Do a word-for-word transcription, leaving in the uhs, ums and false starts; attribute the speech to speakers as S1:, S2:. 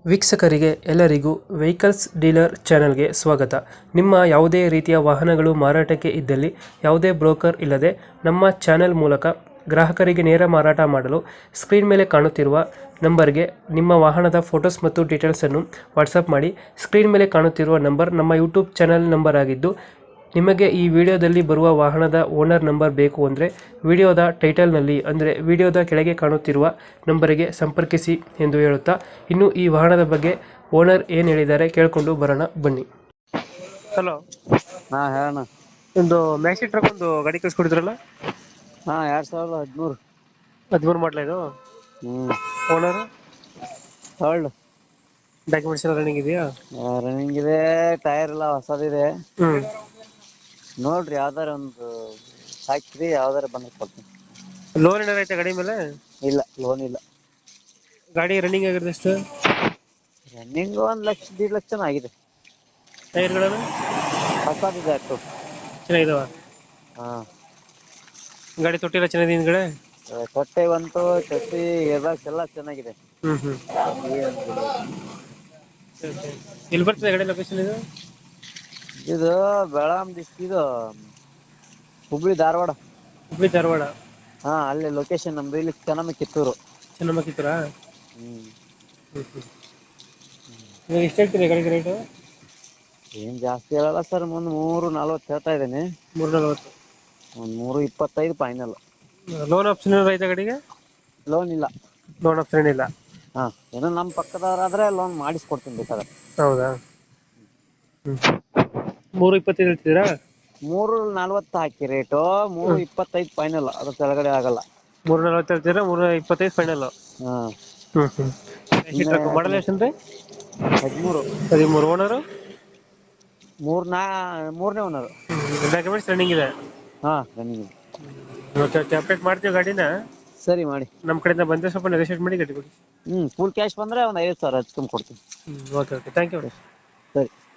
S1: ವೀಕ್ಷಕರಿಗೆ ಎಲ್ಲರಿಗೂ vehicles dealer ಚಾನೆಲ್ಗೆ ಸ್ವಾಗತ. ನಿಮ್ಮ ಯಾವುದೇ ರೀತಿಯ ವಾಹನಗಳು ಮಾರಾಟಕ್ಕೆ ಇದ್ದಲ್ಲಿ ಯಾವುದೇ ಬ್ರೋಕರ್ ಇಲ್ಲದೆ ನಮ್ಮ ಚಾನೆಲ್ ಮೂಲಕ ಗ್ರಾಹಕರಿಗೆ ನೇರ ಮಾರಾಟ ಮಾಡಲು ಸ್ಕ್ರೀನ್ ಮೇಲೆ ಕಾಣುತ್ತಿರುವ ನಂಬರ್ಗೆ ನಿಮ್ಮ ವಾಹನದ ಫೋಟೋಸ್ ಮತ್ತು ಡೀಟೇಲ್ಸನ್ನು ವಾಟ್ಸಪ್ ಮಾಡಿ. ಸ್ಕ್ರೀನ್ ಮೇಲೆ ಕಾಣುತ್ತಿರುವ ನಂಬರ್ ನಮ್ಮ ಯೂಟ್ಯೂಬ್ ಚಾನೆಲ್ ನಂಬರ್ ಆಗಿದ್ದು, ನಿಮಗೆ ಈ ವಿಡಿಯೋದಲ್ಲಿ ಬರುವ ವಾಹನದ ಓನರ್ ನಂಬರ್ ಬೇಕು ಅಂದರೆ ವಿಡಿಯೋದ ಟೈಟಲ್ನಲ್ಲಿ ಅಂದರೆ ವಿಡಿಯೋದ ಕೆಳಗೆ ಕಾಣುತ್ತಿರುವ ನಂಬರಿಗೆ ಸಂಪರ್ಕಿಸಿ ಎಂದು ಹೇಳುತ್ತಾ, ಇನ್ನು ಈ ವಾಹನದ ಬಗ್ಗೆ ಓನರ್ ಏನು ಹೇಳಿದ್ದಾರೆ ಕೇಳಿಕೊಂಡು ಬರೋಣ ಬನ್ನಿ. ಹಲೋ,
S2: ಹಾ ಹೇಳಣ್ಣ.
S1: ಒಂದು ಮ್ಯಾಕ್ಸಿ ಟ್ರಕ್ ಒಂದು ಗಾಡಿ ಕಳಿಸ್ಕೊಡಿದ್ರಲ್ಲ?
S2: ಹಾ ಎರಡ್ ಸಾವಿರದ ಹದಿಮೂರು
S1: ಹದಿಮೂರು ಮಾಡಲ ಇದು?
S2: Hmm
S1: owner
S2: third.
S1: ಡಾಕ್ಯುಮೆಂಟ್ಸ್ ಎಲ್ಲ ರನ್ನಿಂಗ್ ಇದೆಯಾ?
S2: ರನ್ನಿಂಗ್ ಇದೆ, ಟೈರ್ ಎಲ್ಲ ಹೊಸದಿದೆ.
S1: ಹ್ಮ್
S2: ನೋಡ್ರಿ ಯಾವ್ದಾರ ಒಂದು ಹಾಕ್ರಿ, ಯಾವ್ದಾರ ಬಂದ್ರೆ ಕೊಡ್ತೀನಿ.
S1: ಲೋನ್ ಏನಾರ ಐತೆ ಗಾಡಿ ಮೇಲೆ?
S2: ಇಲ್ಲ, ಲೋನ್ ಇಲ್ಲ.
S1: ಗಾಡಿ ರನ್ನಿಂಗ್ ಆಗಿರೋದು ಎಷ್ಟು?
S2: ರನ್ನಿಂಗ್ ಒಂದ್ ಲಕ್ಷ ದೀಡ್ ಲಕ್ಷ ಆಗಿದೆ.
S1: ಟೈರ್ಗಳನ್ನು
S2: ಹೊಸದಿದೆ ಅಷ್ಟು.
S1: ಚೆನ್ನಾಗಿದಾವ?
S2: ಹಾ,
S1: ಗಾಡಿ ತೊಟ್ಟಿಲ್ಲ ಚೆನ್ನಾಗಿದೆ ಹಿಂದ್ಗಡೆ?
S2: ತೊಟ್ಟೆ ಬಂತು, ಚಟ್ಟಿ ಏರ್ಬ್ಯಾಗ್ಸ್ ಎಲ್ಲ ಚೆನ್ನಾಗಿದೆ.
S1: ಹ್ಮ್ ಹ್ಮ್ ಎಲ್ಲಿ ಬರ್ತದೆ ಗಾಡಿ ಲೊಕೇಶನ್ ಇದು?
S2: ಇದು ಬೆಳಗಾಂ ಡಿಸ್ಟ್ರಿಕ್ಟ್, ಇದು ಹುಬ್ಳಿ ಧಾರವಾಡ.
S1: ಹುಬ್ಳಿ ಧಾರವಾಡ?
S2: ಹಾ, ಅಲ್ಲಿ ಲೊಕೇಶನ್ ನಮ್ದು. ಇಲ್ಲಿ ಚೆನ್ನಮ್ಮ ಕಿತ್ತೂರು.
S1: ಚೆನ್ನಮ್ಮ ಕಿತ್ತೂರಾ?
S2: ಹ್ಮ್
S1: ಇವಾಗ ಎಷ್ಟು ಹೇಳ್ತೀರಿ ಗಾಡಿಗೆ ರೇಟು?
S2: ಏನ್ ಜಾಸ್ತಿ ಹೇಳಲ್ಲ ಸರ್, ಒಂದ್ ಮೂರು ನಲ್ವತ್ತು ಹೇಳ್ತಾ ಇದ್ದೇನೆ.
S1: ಮೂರು ನಲ್ವತ್ತು?
S2: ಒಂದ್ ಮೂರು ಇಪ್ಪತ್ತೈದು ಫೈನಲ್.
S1: ಲೋನ್ ಆಪ್ಷನ್ ಏನಾರ ಐತೆ ಗಾಡಿಗೆ?
S2: ಲೋನ್ ಇಲ್ಲ.
S1: ಲೋನ್ ಆಪ್ಷನ್ ಏನಿಲ್ಲ?
S2: ಹಾ, ಏನೋ ನಮ್ ಪಕ್ಕದವರಾದ್ರೆ ಲೋನ್ ಮಾಡಿಸ್ಕೊಡ್ತೀನಿ ಬೇಕಾದ್ರೆ.
S1: ಹೌದಾ? ಹ್ಮ್ ಮೂರು ಇಪ್ಪತ್ತೈದು ಹೇಳ್ತಿದ್ದೀರಾ?
S2: ಮೂರು ನಲ್ವತ್ತು ಹಾಕಿ ರೇಟು, ಮೂರು ಇಪ್ಪತ್ತೈದು ಫೈನಲ್. ಅದ್ರ ಕೆಳಗಡೆ ಆಗಲ್ಲ.
S1: ಮೂರು ನಲ್ವತ್ತು ಹೇಳ್ತೀರಾ, ಮೂರು ಇಪ್ಪತ್ತೈದು ಫೈನಲ್?
S2: ಹಾ.
S1: ಹ್ಮ್ ಹ್ಮ್ ಮಾಡಲ್ ಎಷ್ಟಂದ್ರೆ?
S2: ಹದಿಮೂರು.
S1: ಹದಿಮೂರು. ಓನರು?
S2: ಮೂರ್ ನಾ ಮೂರನೇ ಓನರು.
S1: ಡಾಕ್ಯುಮೆಂಟ್ಸ್ ರನ್ನಿಂಗ್ ಇದೆ?
S2: ಹಾ, ರನ್ನಿಂಗ್ ಇದೆ.
S1: ಓಕೆ ಓಕೆ, ಅಪ್ಡೇಟ್ ಮಾಡ್ತೀವಿ ಗಾಡಿನ.
S2: ಸರಿ ಮಾಡಿ.
S1: ನಮ್ಮ ಕಡೆಯಿಂದ ಬಂದರೆ ಸ್ವಲ್ಪ ನೆಗೋಷಿಯೇಟ್ ಮಾಡಿ ಗಾಡಿ ಕೊಡಿ.
S2: ಹ್ಮ್ ಫುಲ್ ಕ್ಯಾಶ್ ಬಂದ್ರೆ ಒಂದ್ ಐವತ್ತು ಸಾವಿರ ಹಚ್ಕೊಂಡ್ ಕೊಡ್ತೀನಿ.
S1: Hmm okay okay, thank you.
S2: ಸರಿ.